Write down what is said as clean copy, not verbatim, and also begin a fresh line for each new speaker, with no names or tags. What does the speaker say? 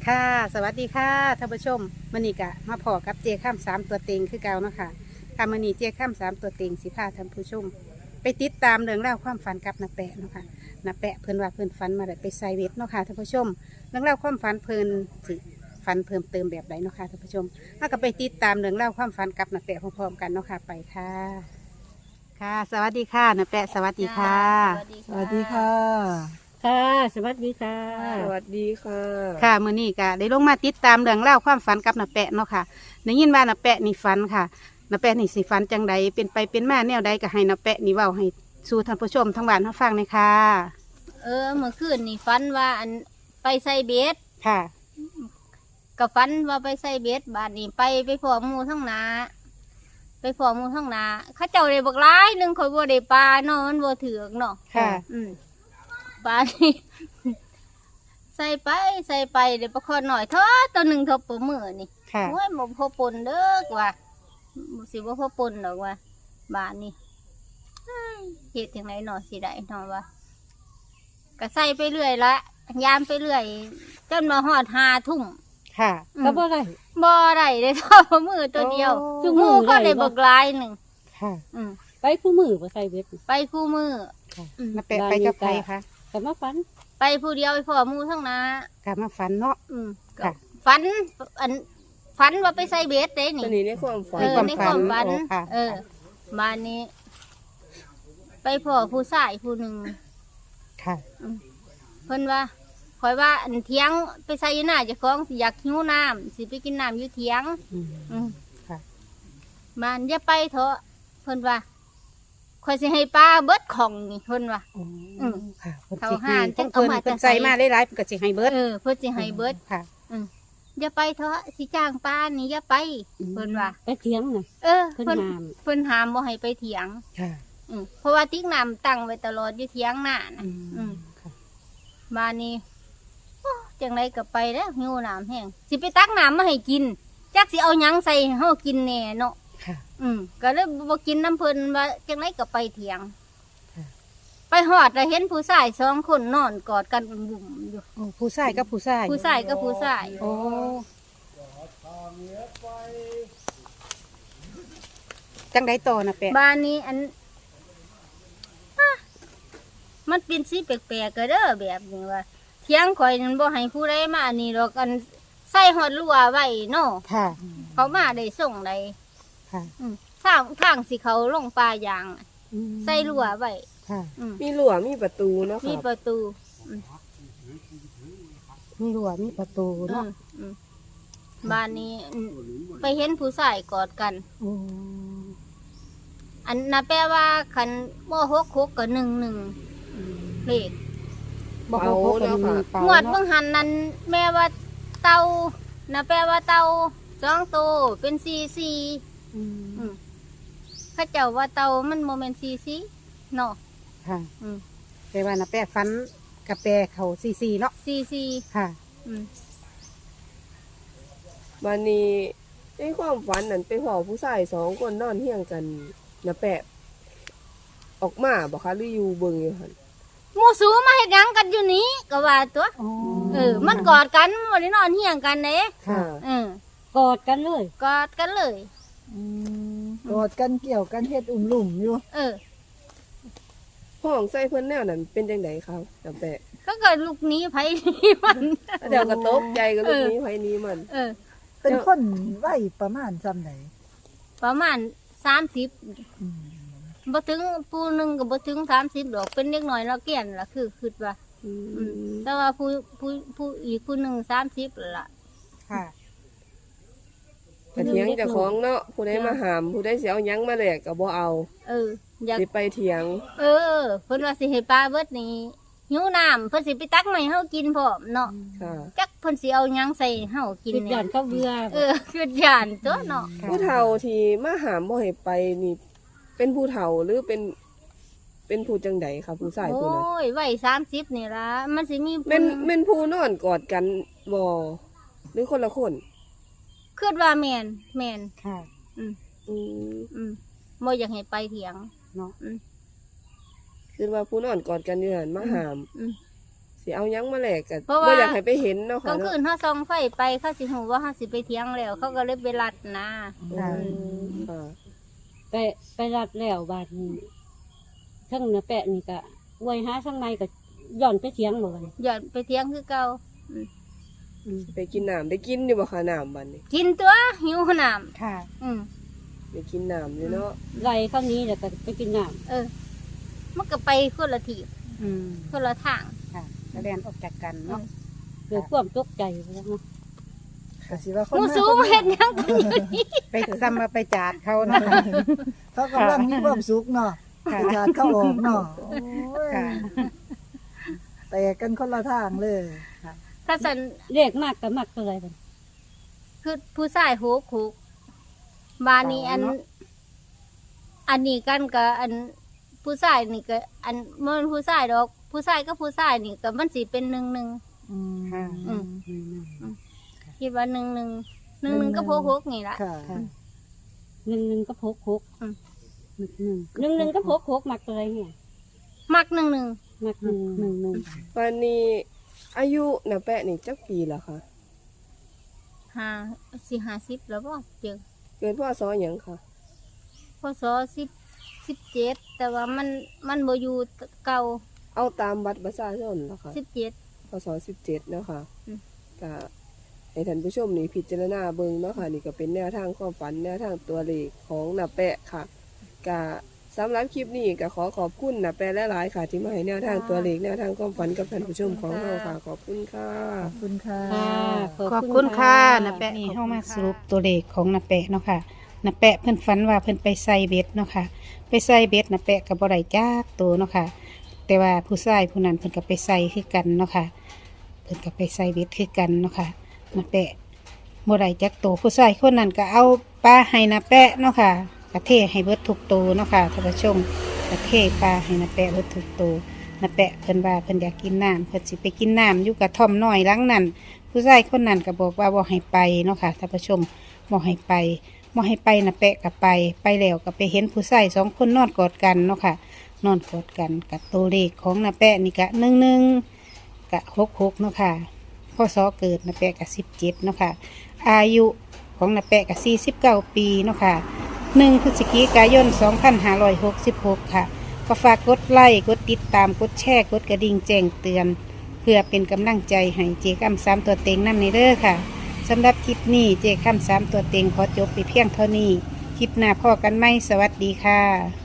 ค่ะสวัสดีค่ะท่านผู้ชมมื้อนี้กะมาพอกับเจข้ามสามตัวเต็งคือเก่าเนาะค่ะค่ะมื้อนี้เจข้ามสามตัวเต็งสิพาท่านผู้ชมไปติดตามเรื่องราวความฝันกับน้าแปะเนาะค่ะน้าแปะเพิ่นว่าเพิ่นฝันมาได้ไปไซเวทเนาะค่ะท่านผู้ชมเรื่องราวความฝันเพิ่นสิฝันเพิ่มเติมแบบใดเนาะค่ะท่านผู้ชมถ้าก็ไปติดตามเรื่องราวความฝันกับน้าแปะพร้อมๆกันเนาะค่ะไปค่ะ ค่ะ สวัสดีค่ะน้าแปะสวัสดีค่ะ
สวัสดีค่ะ
ค่ะ สวัสดีค่ะ
สวัสดีค่ะ
ค่ะมื้อนี้ก็ได้ลงมาติดตามเรื่องเล่าวความฝันกับน้าแปะเนาะค่ะได้ยินว่าน้าแปะนี่ฝันค่ะน้าแปะนี่สิฝันจังใดเป็นไปเป็นมาแนวใดก็ให้น้าแปะนี่เว้าให้สู่ท่านผู้ชมทั้งบ้านทั้งฟังเลยค่ะ
เมื่อคืนนี่ฝันว่าไปใส่เบ็ด
ค่ะ
กับฝันว่าไปใส่เบ็ดบาดนี้ไปพอหมูทั้งนาไปพอหมูทั้งนาเข้าเจ้าได้บักร้ายหนึงคอยบ่ได้ปลาเนาะมันบ่ถือกเนาะ
ค่ะ
ปลานี่ ใส่ไปเดี๋ยวปลาคอหน่อยเถอะตัวหนึ่งเทบปมือนี่
ค่ะ
โอ้ยบ่พอปนเด้อกว่าบ่สิบ่พอปนดอกว่าบาดนี้เฮ้ยเฮ็ดจังไดเนาะสิได้เนาะว่าก็ใส่ไปเรื่อยละยามไปเรื่อยจนมาฮอด5 ทุ่ม
ค่ะ
ก็บ่ได้เลยเท่ามือตัวเดียว
โอ้
ทุกมือก็ได้บักหลายหนึ่ง
ค่ะ
อืม
ไปคู่มือไปใส่เบ็ด
ไปคู่มือ
ค่ะ
อืม
น้าแปะไปกับใครคะ
แต่มาฝัน
ไปผู้เดียวไปพ่อหมูทั้งนาก
ลับมาฝันเนาะ
ก็
ค่ะ
ฝันฝันว่าไปใส่เบสเด้
ต
นี่
อนนี้ในความฝัน
ในความฝัน
โอ้ค่ะ
บ้านนี้ ไปพ่อผู้ชายผู้หนึ่ง
ค่ะ
เพิ่นว่าคอยว่าเถียงไปใส่อยู่หน้าเจ้าของสิอยากหิวน้ำสิไปกินน้ำอยู่เถียง
อืม
อืม
ค่ะ
บ้านอย่าไปเถอะเพิ่นว่าคอยสิให้ป้าเบิดของนี่เพิ่นว่า
อื
อืม
ค่ะเพิ่น
เขา
สิ
ห้าน
ให้
จัง
เพิ่น
เอามา
เพิ่น
จะใส่
ใส่มาหลายๆเพิ่นก็สิให้เบิด
เพิ่นสิให้เบิด
ค่ะ
อย่าไปเถอะสิจ้างป้านี่อย่าไป
อืม
เพิ่นว่า
ไปเถียงน่ะ
เพิ่น
เพิ่นห้าม
เพิ่นห้ามบ่ให้ไปเถียง
ค่ะ
เพราะว่าติ๊กน้ำตั้งไว้ตลอดอยู่เถียงหน้านะ
อืมค่ะ
บ้านนี้โอ้จังไรก็ไปแล้วหิวน้ำแห้งสิไปตักน้ำมาให้กินจักสิเอาหยังใส่ให้เฮากินแน่เนาะ
ค่ะ
ก็เลยบ่กินน้ำเพิ่นว่าจังไรก็ไปเถียง
ค่ะ
ไปฮอดแล้วเห็นผู้ชาย2 คนนอนกอดกันบุ่มๆอยู่
โอ้ผู้ชายกับผู้ชาย
ผู้ชายกับผู้ชาย
โอ้จังไดต่อนะแปะ
บ้านนี้มันเป็นสิแปลกๆก็เด้อแบบนี้ว่าเถียงข่อยนั้นบ่ให้ผู้ใดมาอันนี้ดอกใส่ฮอดรั้วไว้เนาะ
ค่ะ
เขามาได้ส่งได้
ค่ะ
สร้างทางสิเขาลงป่ายาง
อืม
ใส่รั้วไว้
ค่ะ
มีหลัวมีประตูเนาะ
มี
ค่ะ
ประตู
มีรั้วมีประตูเนาะ
อืมบ้านนี้ไปเห็นผู้ชายกอดกัน
โอ้
อันน่ะแปลว่าคันบ่66กับ11เลข
บ่เขาพบกันมีเป่าง
วด
เนาะ
เบิ่งหันนั้นแม่ว่าเต่าน่ะแปลว่าเต่า2ตัวเป็น44
อืม
เขาเจ้าว่าเต่ามันบ่แม่น44เนาะ
ค่ะ
อืม
แต่ว่านะแปะฟันกับแปะเขาซีเนาะ
44
ค่ะ
อืม
วันนี้ในความฝันนั้นไปพ่อผู้ชาย2 คนนอนเฮียงกันนะแปะออกมาบ่คะหรืออยู่เบิ่งอยู่หั่น
หมู่สูมาเฮ็ดหยังกันอยู่นี้ก็ว่าตัว
อ๋อ
มันกอดกันบ่ได้นอนเฮียงกันเด้
ค่ะ
กอดกันเลย
กอดกันเลย
กอดกันเกี่ยวกันเฮ็ดอุ่มหลุ่มอยู่
ห้องใส่เพิ่นแนวนั้นเป็นจังไดครับนะแปะ
เขาก็ลูกหนี้ไผนี่มัน
เดี๋ยวก็ตกใจกับลูกนี้ไผนี้มัน
เป็นคนไหวประมาณจำไหน
ประมาณ30บ่ถึงผู้หนึงก็บ่ถึง30ดอกเป็นเด็กน้อยเนาะเกี้ยนล่ะคือคิดว่าแต่ว่าผู้อีกผู้หนึง30ล่ะ
ค่ะ
กระเถียงเจ้าของเนาะผู้ใดมาหามผู้ใดสิเอาหยังมาแลกก็บ่เอา
อยาก
สิไปเถียง
เพิ่นว่าสิให้ปลาเบิดนี่หิวน้ำเพิ่นสิไปตักมาให้เฮากินพร้อมเนาะ
ค่ะ
จักเพิ่นสิเอาหยังใส่เฮากิน
คิด
เนี่
ย่านเขาเบื่อ
คือย่านตัวเนาะ
ค่ะ
ผู้เฒ่าที่มาหามบ่ให้ไปนี่ เป็นผู้เฒ่าหรือเป็นผู้จังใดครับผู้ชายผู้นั้น
โอ้ยไว้30นี่ล่ะมันสิมี
แม่นผู้นอนกอดกันบ่หรือคนละคน
คิดว่าแม่น
ค่ะ
อืม
บ่อยากให้ไปเถียง
เนาะ
คือว่าผู้นอนกอดกันอยู่หั่นมาหาม
อืม
สิเอาหยังมาแลกกัน
เพราะว่า
บ่อยากให้ไปเห็นเนาะ
กลา
ค่ะ
งคื
เนาะ
นเขาส่องไฟไปเขาสิหูว่าเขาสิไปเที่ยงแล้ว เขาก็เลยไปรัดนะ
อืมค่ะ
ไปรัดแล้วบาดนี้ทั้งนาแปะนี่ก็อวยหาทั้งในก็ย่อนไปเถียงบ่กัน
หย่อนไปเที่ยงคือเก่า
ไปกินน้ำได้กินอยู่บ่คะน้ำบัดนี้
กินตัวหิวน้
ค่ะ
ำอืม
ได้กินน้ำอยู่เนาะ
ไล่เข้านี้แล้วก็ไปกินน้
มันก็ไปคนละที
อืม
คนละทาง
ค่ะแล้วเรียนออกจากกันเนาะ
ำเกิดความตกใจไปแล้วเนาะ
ก็สิว่าคน
หมู
มา
สู
คน
เห็ด
มา
หยังกันอยู่นี่
ไปซ้ำมาไปจาดเขาเนาะค่ะ
เขากำลังมีความสุขเนาะ
ค่ะ
ไปจาดเข้าออกเนาะโอ้ย
ค่ะ
แตกกันคนละทางเลย
ถ้าสัน
เรียกมากก็มากเท่าไหร่บัด
คือผู้ชายหูกบานนี้อัน อันนี้กันกับอันผู้ชายนี่ก็อันมันผู้ชายดอก ผู้ชายก็ผู้ชายนี่ก็มันสิเป็น1
อืม
ค่ะ
อืม
อืม
คิดว่า1 1ก็พกนี่ล่ะ
ค่ะ
ค่ะ
หนึ่งก็พกหก
อืม
หนึ่งก็พกหกมากเท่าไหร่เนี่ย
มัก1
มากหนึ่ง
วันนี้อายุน้าแปะนี่จักปีแล้วค่ะ
50แล้วบ่เจอ
เกิดพศหยังค่ะ
พศ17แต่ว่ามันบ่อยู่เก่า
เอาตามบัตรประชาชนเหรอคะ
17
พศ17เนาะค่ะ
อืม
ก็ให้ท่านผู้ชมนี่พิจารณาเบิ่งเนาะค่ะนี่ก็เป็นแนวทางความฝันแนวทางตัวเลขของน้าแปะค่ะก็สำหรับคลิปนี้ก็ขอบคุณน้าแปะหลายๆค่ะ ที่มาให้แนวทางตัวเลขแนวทางความฝันกับท่านผู้ชมของเราค่ะ ขอบคุณค่ะ
ขอบคุณค่ะ
ค่ะ
ขอบคุณค่ะนาแปะนี่เข้ามาสรุปตัวเลขของนาแปะเนาะค่ะนาแปะเพิ่นฝันว่าเพิ่นไปใส่เบ็ดเนาะค่ะ ไปใส่เบ็ดนาแปะกับบ่ได้จักตัวเนาะค่ะ แต่ว่าผู้ชายผู้นั้นเพิ่นก็ไปใส่คือกันเนาะค่ะ เพิ่นก็ไปใส่เบ็ดคือกันเนาะค่ะนาแปะบ่ได้จักตัวผู้ชายคนนั้นก็เอาปลาให้นาแปะเนาะค่ะกระเทให้เบิดทุกตัวเนาะค่ะท่านผู้ชมกระเทปลาให้นาแปะเบิดทุกตัวนาแปะเพิ่นว่าเพิ่นอยากกินน้ำเพิ่นสิไปกินน้ำอยู่กระท่อมน้อยหลังนั้น ผู้ชายคนนั้นก็บอกว่าบ่ให้ไปเนาะค่ะท่านผู้ชมบ่ให้ไปนะแปะกับไปแล้วก็ไปเห็นผู้ชาย2 คนนอนกอดกันเนาะค่ะ นอนกอดกันกับตัวเลขของนะแปะนี่ก็11กับ66เนาะค่ะพศเกิดนะแปะกับ17เนาะค่ะ อายุของนะแปะกับ49 ปีเนาะค่ะ1 พฤศจิกายน 2566 ค่ะ ก็ฝากกดไลค์กดติดตามกดแชร์กดกระดิ่งแจ้งเตือน เพื่อเป็นกำลังใจให้เจคำ3ตัวเต็งนำในเด้อค่ะสำหรับคลิปนี้เจคำ3ตัวเต็งขอจบไปเพียงเท่านี้ คลิปหน้าพ่อกันไหมสวัสดีค่ะ